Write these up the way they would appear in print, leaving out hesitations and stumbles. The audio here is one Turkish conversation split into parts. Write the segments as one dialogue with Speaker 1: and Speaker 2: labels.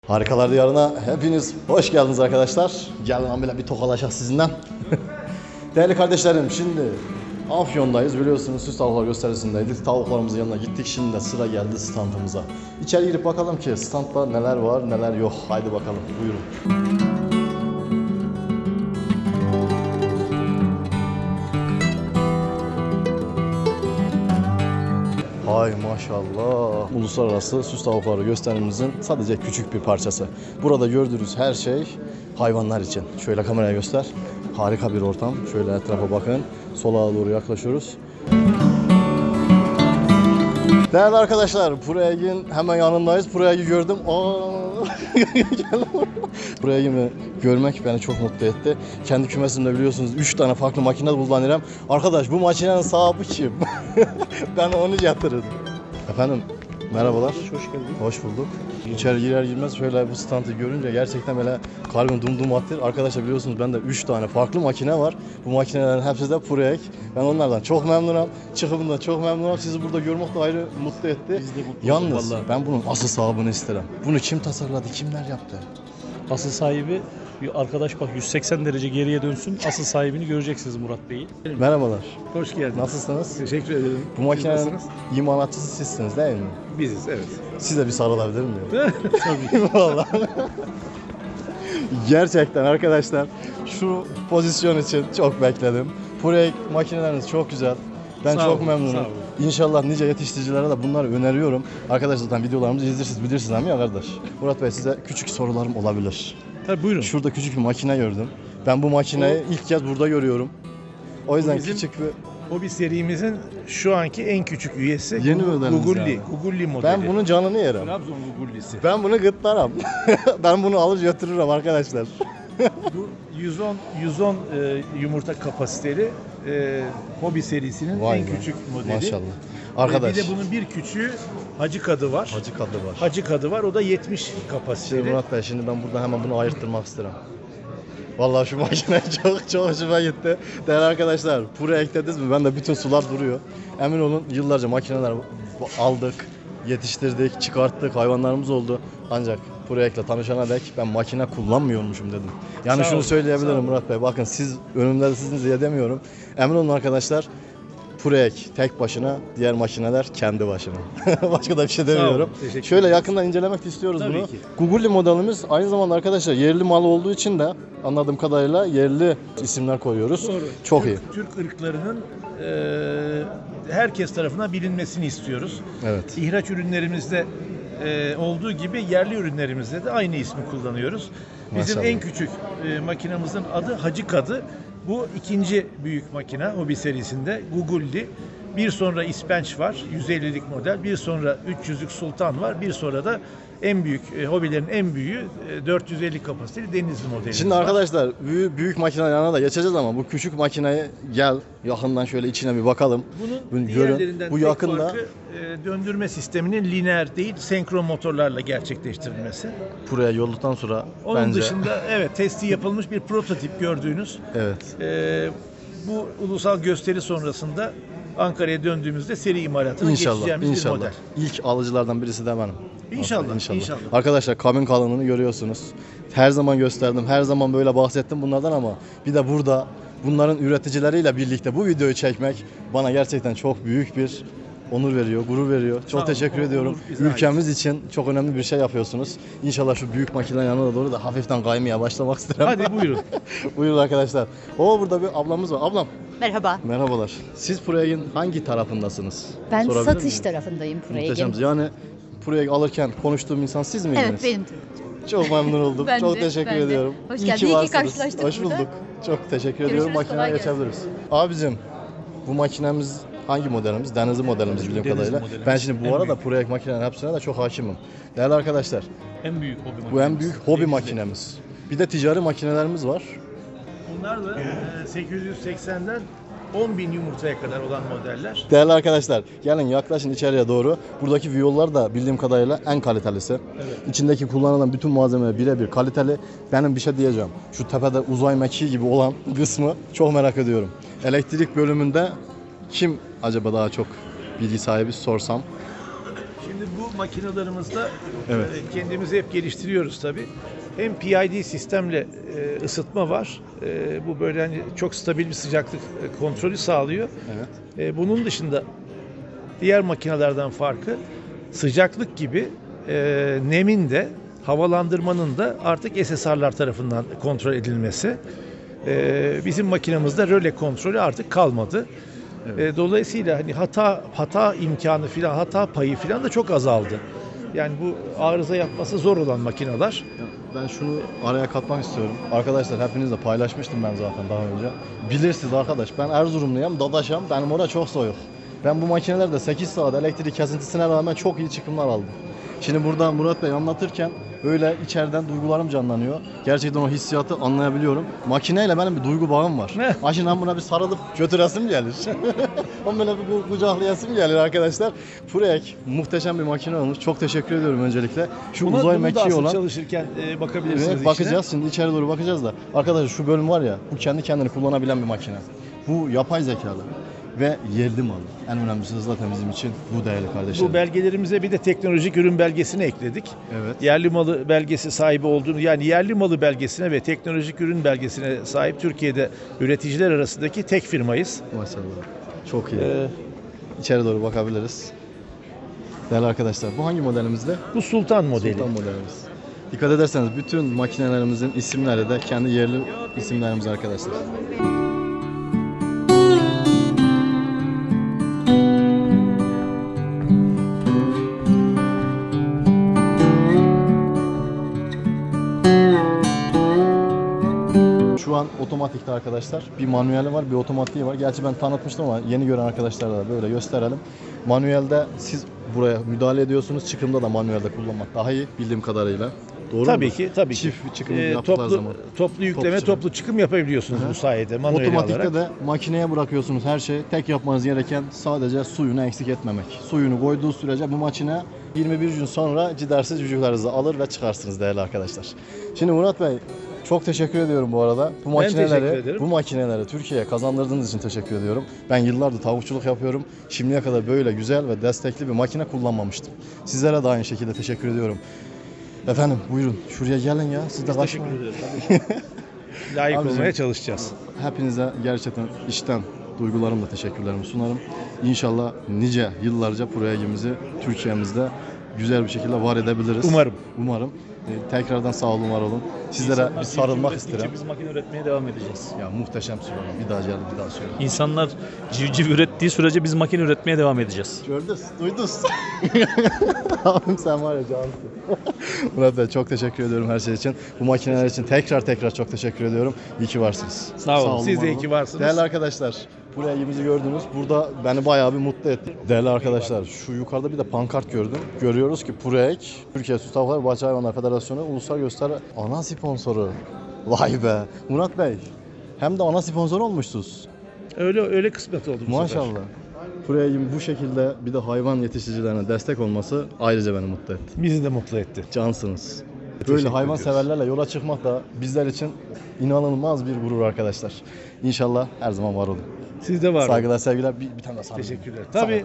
Speaker 1: Harikalar Diyarı'na hepiniz hoş geldiniz arkadaşlar. Gelin amele bir tokalaşak sizinden. Değerli kardeşlerim, şimdi Afyon'dayız, biliyorsunuz süs tavuklar gösterisindeydik. Tavuklarımızın yanına gittik, şimdi de sıra geldi standımıza. İçeri girip bakalım ki standda neler var neler yok. Haydi bakalım, buyurun. Ay maşallah. Uluslararası süs tavukları gösterimizin sadece küçük bir parçası. Burada gördüğünüz her şey hayvanlar için. Şöyle kameraya göster. Harika bir ortam. Şöyle etrafa bakın. Sola doğru yaklaşıyoruz. Değerli arkadaşlar, Pureyag'in hemen yanındayız. Pureyag'i gördüm. Pureyag'i görmek beni çok mutlu etti. Kendi kümesimde biliyorsunuz 3 tane farklı makine kullanıyorum. Arkadaş, bu makinenin sahibi kim? Ben onu yatırırım. Efendim, merhabalar.
Speaker 2: Hoş geldin.
Speaker 1: Hoş bulduk. İçeri girer girmez şöyle bu standı görünce gerçekten böyle kalbim dum attı. Arkadaşlar biliyorsunuz bende 3 tane farklı makine var. Bu makinelerin hepsi de Pureyag. Ben onlardan çok memnunum. Çıkımından çok memnunum. Sizi burada görmek de ayrı mutlu etti.
Speaker 2: Biz de mutlu
Speaker 1: Yalnız
Speaker 2: vallahi.
Speaker 1: ben bunun asıl sahibini isterim. Bunu kim tasarladı, kimler yaptı?
Speaker 2: Asıl sahibi bir arkadaş, bak 180 derece geriye dönsün. Asıl sahibini göreceksiniz Murat Bey'i.
Speaker 1: Merhabalar.
Speaker 3: Hoş geldiniz.
Speaker 1: Nasılsınız?
Speaker 3: Teşekkür ederim.
Speaker 1: Bu makinenin
Speaker 3: nasılsınız?
Speaker 1: imalatçısı sizsiniz değil mi?
Speaker 3: Biziz, evet.
Speaker 1: Size bir sarılabilir miyim?
Speaker 2: Tabii.
Speaker 1: Vallahi. Gerçekten arkadaşlar şu pozisyon için çok bekledim. Pureyag makineleriniz çok güzel. Ben
Speaker 3: Sağ
Speaker 1: çok
Speaker 3: olun,
Speaker 1: memnunum.
Speaker 3: sağ olun.
Speaker 1: İnşallah nice yetiştiricilere de bunları öneriyorum. Arkadaşlar zaten videolarımızı bilirsiniz ama ya kardeş. Murat Bey, size küçük sorularım olabilir.
Speaker 2: Tabii buyurun.
Speaker 1: Şurada küçük bir makine gördüm. Ben bu makineyi ilk kez burada görüyorum. O yüzden
Speaker 3: bizim-
Speaker 1: küçük bir...
Speaker 3: Hobi serimizin şu anki en küçük üyesi
Speaker 1: Yeni modelimiz
Speaker 3: Gugulli.
Speaker 1: yani.
Speaker 3: Gugulli modeli.
Speaker 1: Ben bunun canını yerim.
Speaker 3: Trabzon Gugullisi.
Speaker 1: Ben bunu gırtlarım. Ben bunu alır götürürüm arkadaşlar.
Speaker 3: Bu 110 yumurta kapasiteli Hobi serisinin
Speaker 1: Vay
Speaker 3: en
Speaker 1: be.
Speaker 3: küçük modeli.
Speaker 1: Maşallah. Arkadaş.
Speaker 3: Bir de bunun bir küçüğü Hacı Kadı var.
Speaker 1: Hacı kadı var.
Speaker 3: Hacı Kadı var. O da 70 kapasiteli.
Speaker 1: Şimdi Murat Bey, şimdi ben burada hemen bunu ayırttırmak isterim. Vallahi şu makine çok hoşuma gitti. Değerli arkadaşlar, Pureyag dediniz mi? Ben de bütün sular duruyor. Emin olun yıllarca makineler aldık, yetiştirdik, çıkarttık, hayvanlarımız oldu. Ancak Pureyag'la tanışana dek ben makine kullanmıyormuşum dedim. Yani
Speaker 3: Sağ
Speaker 1: şunu
Speaker 3: olun,
Speaker 1: söyleyebilirim
Speaker 3: sağ olun.
Speaker 1: Murat Bey. Bakın siz önümde sizin diye demiyorum. Emin olun arkadaşlar. Pureyag tek başına, diğer makineler kendi başına. Başka da bir şey demiyorum.
Speaker 3: teşekkür
Speaker 1: Şöyle
Speaker 3: ederiz.
Speaker 1: yakından incelemek istiyoruz
Speaker 3: Tabii
Speaker 1: bunu.
Speaker 3: ki.
Speaker 1: Gugulli modelimiz aynı zamanda arkadaşlar yerli mal olduğu için de anladığım kadarıyla yerli isimler koyuyoruz.
Speaker 3: Doğru.
Speaker 1: Çok iyi.
Speaker 3: Türk ırklarının herkes tarafından bilinmesini istiyoruz.
Speaker 1: Evet.
Speaker 3: İhraç ürünlerimizde olduğu gibi yerli ürünlerimizde de aynı ismi kullanıyoruz. Bizim
Speaker 1: Maşallah.
Speaker 3: en küçük makinamızın adı Hacı Kadı. Bu ikinci büyük makine Hobi serisinde Gugulli. Bir sonra İspenç var, 150'lik model. Bir sonra 300'lük Sultan var. Bir sonra da en büyük, hobilerin en büyüğü 450 kapasiteli Denizli modeli.
Speaker 1: Şimdi arkadaşlar büyük makine yanına da geçeceğiz ama bu küçük makineyi gel yakından şöyle içine bir bakalım.
Speaker 3: Bunun
Speaker 1: Bunu
Speaker 3: diğerlerinden
Speaker 1: Bu
Speaker 3: tek
Speaker 1: yakında
Speaker 3: farkı döndürme sisteminin lineer değil, senkron motorlarla gerçekleştirilmesi.
Speaker 1: buraya yolduktan sonra
Speaker 3: Onun
Speaker 1: bence
Speaker 3: dışında evet testi yapılmış bir prototip gördüğünüz.
Speaker 1: evet.
Speaker 3: Bu ulusal gösteri sonrasında Ankara'ya döndüğümüzde seri imalatına
Speaker 1: İnşallah,
Speaker 3: geçeceğimiz bir
Speaker 1: inşallah.
Speaker 3: model.
Speaker 1: İlk alıcılardan birisi de benim.
Speaker 3: İnşallah,
Speaker 1: İnşallah.
Speaker 3: inşallah.
Speaker 1: Arkadaşlar kabin kalınlığını görüyorsunuz. Her zaman gösterdim, her zaman böyle bahsettim bunlardan ama bir de burada bunların üreticileriyle birlikte bu videoyu çekmek bana gerçekten çok büyük bir onur veriyor, gurur veriyor. Çok
Speaker 3: olun,
Speaker 1: teşekkür
Speaker 3: o
Speaker 1: ediyorum.
Speaker 3: onur bize ait.
Speaker 1: Ülkemiz için çok önemli bir şey yapıyorsunuz. İnşallah şu büyük makinenin yanına doğru da hafiften kaymaya başlamak isterim.
Speaker 3: Hadi buyurun.
Speaker 1: Buyurun arkadaşlar. Burada bir ablamız var. Ablam,
Speaker 4: Merhaba.
Speaker 1: merhabalar. Siz Pureyag'in hangi tarafındasınız?
Speaker 4: Ben
Speaker 1: Sorabilir
Speaker 4: satış
Speaker 1: miyim?
Speaker 4: tarafındayım
Speaker 1: Muhteşem.
Speaker 4: Pureyag'in.
Speaker 1: Yani Pureyag alırken konuştuğum insan siz miydiniz?
Speaker 4: Evet benim.
Speaker 1: Çok memnun oldum.
Speaker 4: Ben
Speaker 1: Çok
Speaker 4: de,
Speaker 1: teşekkür
Speaker 4: ben de.
Speaker 1: ediyorum.
Speaker 4: Hoş
Speaker 1: İyi
Speaker 4: geldin.
Speaker 1: ki
Speaker 4: İyi ki
Speaker 1: varsınız.
Speaker 4: karşılaştık
Speaker 1: Hoş
Speaker 4: burada.
Speaker 1: bulduk. Çok teşekkür ediyorum.
Speaker 4: Görüşürüz,
Speaker 1: Makineye
Speaker 4: kolay gelsin.
Speaker 1: geçebiliriz. Abicim, bu makinemiz hangi modelimiz? Denizli modelimiz bildiğim
Speaker 2: Denizli
Speaker 1: kadarıyla.
Speaker 2: modelimiz.
Speaker 1: Ben şimdi bu
Speaker 2: En
Speaker 1: arada
Speaker 2: büyük.
Speaker 1: Pureyag makinenin hepsine de çok hakimim. Değerli arkadaşlar,
Speaker 2: En büyük hobi
Speaker 1: bu en
Speaker 2: makinemiz.
Speaker 1: büyük hobi
Speaker 2: Denizli.
Speaker 1: makinemiz. Bir de ticari makinelerimiz var.
Speaker 3: Bunlar da 880'den 10.000 yumurtaya kadar olan modeller.
Speaker 1: Değerli arkadaşlar, gelin yaklaşın içeriye doğru. Buradaki viyollar da bildiğim kadarıyla en kalitelisi.
Speaker 3: Evet.
Speaker 1: İçindeki kullanılan bütün malzeme birebir kaliteli. Benim bir şey diyeceğim. Şu tepede uzay mekiği gibi olan kısmı çok merak ediyorum. Elektrik bölümünde kim acaba daha çok bilgi sahibi sorsam?
Speaker 3: Şimdi bu Bu makinalarımızda
Speaker 1: Evet.
Speaker 3: kendimizi hep geliştiriyoruz tabii. Hem PID sistemle ısıtma var. Bu böyle hani çok stabil bir sıcaklık kontrolü sağlıyor.
Speaker 1: Evet.
Speaker 3: Bunun dışında diğer makinelerden farkı sıcaklık gibi nemin de havalandırmanın da artık SSR'lar tarafından kontrol edilmesi. Bizim makinamızda röle kontrolü artık kalmadı.
Speaker 1: Evet.
Speaker 3: Dolayısıyla hani hata imkanı filan, hata payı filan da çok azaldı. Yani bu arıza yapması zor olan makineler.
Speaker 1: Ya ben şunu araya katmak istiyorum. Arkadaşlar hepinizle paylaşmıştım ben zaten daha önce. Bilirsiniz arkadaş, ben Erzurumluyum, Dadaş'ım. Benim orada çok soğuk. Ben bu makinelerde 8 saat elektrik kesintisine rağmen çok iyi çıkımlar aldım. Şimdi burada Murat Bey anlatırken böyle içeriden duygularım canlanıyor. Gerçekten o hissiyatı anlayabiliyorum. Makineyle benim bir duygu bağım var. Şimdi ben buna bir sarılıp götüresim gelir. Onu böyle bir kucaklayasım gelir arkadaşlar. Furek muhteşem bir makine olmuş. Çok teşekkür ediyorum öncelikle. Şu uzay
Speaker 3: Bunu da
Speaker 1: mekiği
Speaker 3: asıl
Speaker 1: olan...
Speaker 3: çalışırken bakabilirsiniz
Speaker 1: Evet,
Speaker 3: içine.
Speaker 1: bakacağız şimdi içeri doğru bakacağız da. Arkadaşlar şu bölüm var ya, bu kendi kendini kullanabilen bir makine. Bu yapay zekalı ve yerli malı. En önemlisi de zaten bizim için bu değerli kardeşlerim.
Speaker 3: Bu belgelerimize bir de teknolojik ürün belgesini ekledik.
Speaker 1: Evet.
Speaker 3: Yerli malı belgesi sahibi olduğunu, yani yerli malı belgesine ve teknolojik ürün belgesine sahip Türkiye'de üreticiler arasındaki tek firmayız.
Speaker 1: Maşallah. Çok iyi. İçeri doğru bakabiliriz. Değerli arkadaşlar, bu hangi modelimizde?
Speaker 3: Bu Sultan modeli.
Speaker 1: Sultan modelimiz. Dikkat ederseniz bütün makinelerimizin isimleri de kendi yerli isimlerimiz arkadaşlar. Şu an otomatikte arkadaşlar. Bir manueli var, bir otomatiği var. Gerçi ben tanıtmıştım ama yeni gören arkadaşlara da böyle gösterelim. Manuelde siz buraya müdahale ediyorsunuz. Çıkımda da manuelde kullanmak daha iyi bildiğim kadarıyla. Doğru
Speaker 3: Tabii
Speaker 1: mudur?
Speaker 3: ki, tabii ki.
Speaker 1: Çift bir çıkım yaptıkları zaman.
Speaker 3: Toplu yükleme,
Speaker 1: çıkım.
Speaker 3: toplu çıkım yapabiliyorsunuz
Speaker 1: Hı hı.
Speaker 3: bu sayede manuel
Speaker 1: Otomatikte
Speaker 3: olarak.
Speaker 1: de makineye bırakıyorsunuz her şeyi. Tek yapmanız gereken sadece suyunu eksik etmemek. Suyunu koyduğu sürece bu makine 21 gün sonra cidersiz cücüklerinizi alır ve çıkarsınız değerli arkadaşlar. Şimdi Murat Bey çok teşekkür ediyorum bu arada. Bu
Speaker 3: teşekkür ederim.
Speaker 1: Bu makineleri Türkiye'ye kazandırdığınız için teşekkür ediyorum. Ben yıllardır tavukçuluk yapıyorum. Şimdiye kadar böyle güzel ve destekli bir makine kullanmamıştım. Sizlere de aynı şekilde teşekkür ediyorum. Efendim buyurun şuraya gelin ya. Siz de kaçmayın.
Speaker 3: Teşekkür ederiz. Layık
Speaker 1: Abicim,
Speaker 3: olmaya çalışacağız.
Speaker 1: Hepinize gerçekten içten duygularımla teşekkürlerimi sunarım. İnşallah nice yıllarca projemizi Türkiye'mizde güzel bir şekilde var edebiliriz. Umarım. Tekrardan sağ olun, var olun. Sizlere bir sarılmak isterim.
Speaker 2: Biz makine üretmeye devam edeceğiz.
Speaker 1: Ya muhteşem slogan. Bir daha geldi, bir daha söyle.
Speaker 2: İnsanlar civciv ürettiği sürece biz makine üretmeye devam edeceğiz.
Speaker 1: Gördünüz, duydunuz. Abim sen var ya cansın. Murat Bey çok teşekkür ediyorum her şey için. Bu makineler için tekrar çok teşekkür ediyorum. İyi ki varsınız.
Speaker 3: Sağ olun. Siz
Speaker 1: var
Speaker 3: de iyi
Speaker 1: olun.
Speaker 3: ki varsınız.
Speaker 1: Değerli arkadaşlar, buraya ilgimizi gördünüz. Burada beni bayağı bir mutlu etti. Değerli arkadaşlar, şu yukarıda bir de pankart gördüm. Görüyoruz ki PUREK, Türkiye Süt Tavukları ve Bahçe Hayvanları Federasyonu Ulusal Gösteri ana sponsoru. Vay be. Murat Bey, hem de ana sponsor olmuşsunuz.
Speaker 3: Öyle kısmet oldu bu sefer.
Speaker 1: Maşallah. PUREK'in bu şekilde bir de hayvan yetiştiricilerine destek olması ayrıca beni mutlu etti.
Speaker 3: Bizi de mutlu etti.
Speaker 1: Cansınız. Böyle
Speaker 3: Teşekkür
Speaker 1: hayvan
Speaker 3: ediyoruz.
Speaker 1: severlerle yola çıkmak da bizler için inanılmaz bir gurur arkadaşlar. İnşallah her zaman var olun.
Speaker 3: Siz de var olun.
Speaker 1: Saygılar, sevgiler. Bir tane daha sarılın.
Speaker 3: Teşekkürler. Tabii.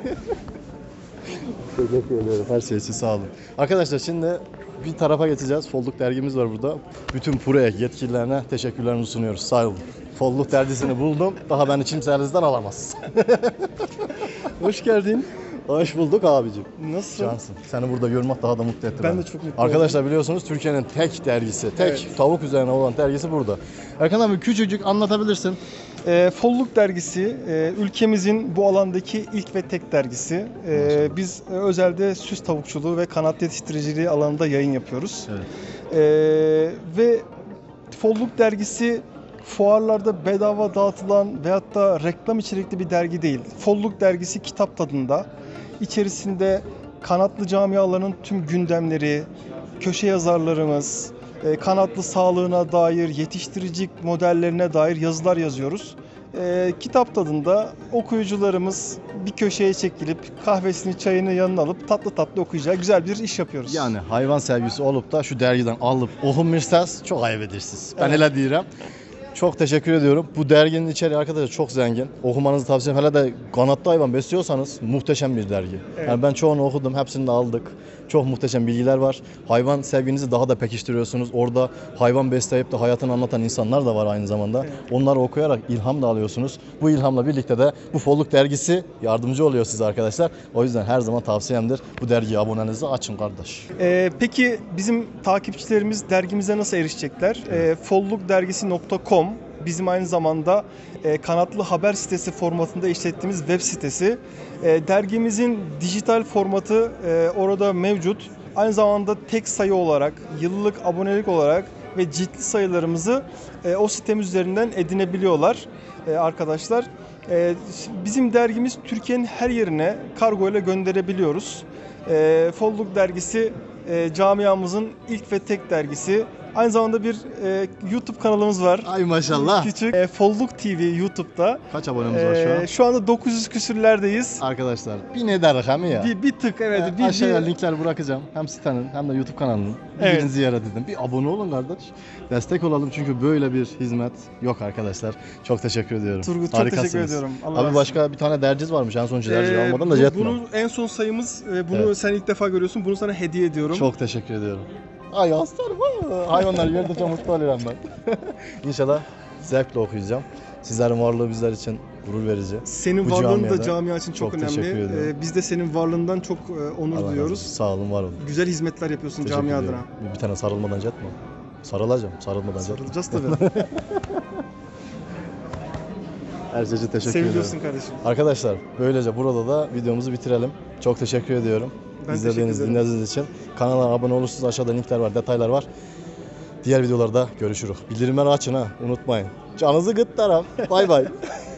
Speaker 1: Teşekkür ederim. Her şey için sağ olun. Arkadaşlar şimdi bir tarafa geçeceğiz. Folluk dergimiz var burada. Bütün PUREK yetkililerine teşekkürlerimizi sunuyoruz. Sağ olun. Folluk dergisini buldum. Daha beni kimselerden alamaz.
Speaker 4: Hoş geldin.
Speaker 1: Hoş bulduk abicim.
Speaker 4: Nasılsın?
Speaker 1: Cansın. Seni burada görmek daha da mutlu etti
Speaker 4: Ben
Speaker 1: beni.
Speaker 4: de çok mutlu
Speaker 1: Arkadaşlar biliyorsunuz Türkiye'nin tek dergisi, tek
Speaker 4: Evet.
Speaker 1: tavuk üzerine olan dergisi burada. Erkan abi küçücük anlatabilirsin.
Speaker 4: Folluk dergisi ülkemizin bu alandaki ilk ve tek dergisi. Biz özelde süs tavukçuluğu ve kanat yetiştiriciliği alanında yayın yapıyoruz.
Speaker 1: Evet.
Speaker 4: Ve Folluk dergisi fuarlarda bedava dağıtılan veyahut da reklam içerikli bir dergi değil. Folluk dergisi kitap tadında. İçerisinde kanatlı camiaların tüm gündemleri, köşe yazarlarımız, kanatlı sağlığına dair, yetiştiricilik modellerine dair yazılar yazıyoruz. Kitap tadında okuyucularımız bir köşeye çekilip kahvesini, çayını yanına alıp tatlı tatlı okuyacağı güzel bir iş yapıyoruz.
Speaker 1: Yani hayvan sevgisi olup da şu dergiden alıp okunmuşsanız çok ayıp edersiniz. Ben
Speaker 4: Evet.
Speaker 1: öyle diyorum. Çok teşekkür ediyorum. Bu derginin içeriği arkadaşlar çok zengin. Okumanızı tavsiye ederim. Hele de kanatlı hayvan besliyorsanız muhteşem bir dergi.
Speaker 4: Evet.
Speaker 1: Yani ben çoğunu okudum, hepsini de aldık. Çok muhteşem bilgiler var. Hayvan sevginizi daha da pekiştiriyorsunuz. Orada hayvan besleyip de hayatını anlatan insanlar da var aynı zamanda.
Speaker 4: Evet.
Speaker 1: Onları okuyarak ilham da alıyorsunuz. Bu ilhamla birlikte de bu Folluk dergisi yardımcı oluyor size arkadaşlar. O yüzden her zaman tavsiyemdir. Bu dergiye abonenizi açın kardeş.
Speaker 4: Peki bizim takipçilerimiz dergimize nasıl erişecekler? Follukdergisi.com bizim aynı zamanda kanatlı haber sitesi formatında işlettiğimiz web sitesi. Dergimizin dijital formatı orada mevcut. Aynı zamanda tek sayı olarak, yıllık abonelik olarak ve ciltli sayılarımızı o sitemiz üzerinden edinebiliyorlar arkadaşlar. Bizim dergimiz Türkiye'nin her yerine kargo ile gönderebiliyoruz. Folluk dergisi camiamızın ilk ve tek dergisi. Aynı zamanda bir YouTube kanalımız var.
Speaker 1: Ay maşallah.
Speaker 4: Küçük. Folluk TV YouTube'da.
Speaker 1: Kaç abonemiz var şu an?
Speaker 4: Şu anda 900 küsürlerdeyiz.
Speaker 1: Arkadaşlar bir ne der rakam ya.
Speaker 4: Bir tık evet.
Speaker 1: Aşağıya linkler bırakacağım. Hem sitenin hem de YouTube kanalının.
Speaker 4: Evet.
Speaker 1: Birini ziyaret edin. Bir abone olun kardeş. Destek olalım çünkü böyle bir hizmet yok arkadaşlar. Çok teşekkür ediyorum.
Speaker 4: Turgut çok
Speaker 1: Harikasınız.
Speaker 4: teşekkür ediyorum. Allah razı
Speaker 1: Abi
Speaker 4: olsun.
Speaker 1: başka bir tane derciz varmış. En son derciyi almadan da yetmem.
Speaker 4: Bunu en son sayımız. Bunu
Speaker 1: Evet.
Speaker 4: sen ilk defa görüyorsun. Bunu sana hediye ediyorum.
Speaker 1: Çok teşekkür ediyorum. Ay aslanım. Hayvanlar yerde çok mutlu oluyorum ben. İnşallah zevkle okuyacağım. Sizlerin varlığı bizler için gurur verici.
Speaker 4: Senin
Speaker 1: Bu
Speaker 4: varlığın da
Speaker 1: camiada
Speaker 4: camia için çok
Speaker 1: çok teşekkür
Speaker 4: önemli.
Speaker 1: ediyorum.
Speaker 4: Biz de senin varlığından çok onur
Speaker 1: Allah razı
Speaker 4: duyuyoruz.
Speaker 1: olsun. Sağ olun, var olun.
Speaker 4: Güzel hizmetler yapıyorsun
Speaker 1: Teşekkür
Speaker 4: camia
Speaker 1: ediyorum.
Speaker 4: adına.
Speaker 1: Bir tane sarılmadan yatma. Sarılacağım, sarılmadan yatma.
Speaker 4: Sarılacağız tabii.
Speaker 1: Her şey için teşekkür
Speaker 4: Seviliyorsun
Speaker 1: ediyorum.
Speaker 4: kardeşim.
Speaker 1: Arkadaşlar böylece burada da videomuzu bitirelim. Çok teşekkür ediyorum.
Speaker 4: Ben
Speaker 1: İzlediğiniz,
Speaker 4: teşekkür ederim.
Speaker 1: dinlediğiniz için. Kanala abone olursunuz. Aşağıda linkler var, detaylar var. Diğer videolarda görüşürüz. Bildirimleri açın ha, unutmayın. Canınızı gıt taraf. Bay bay.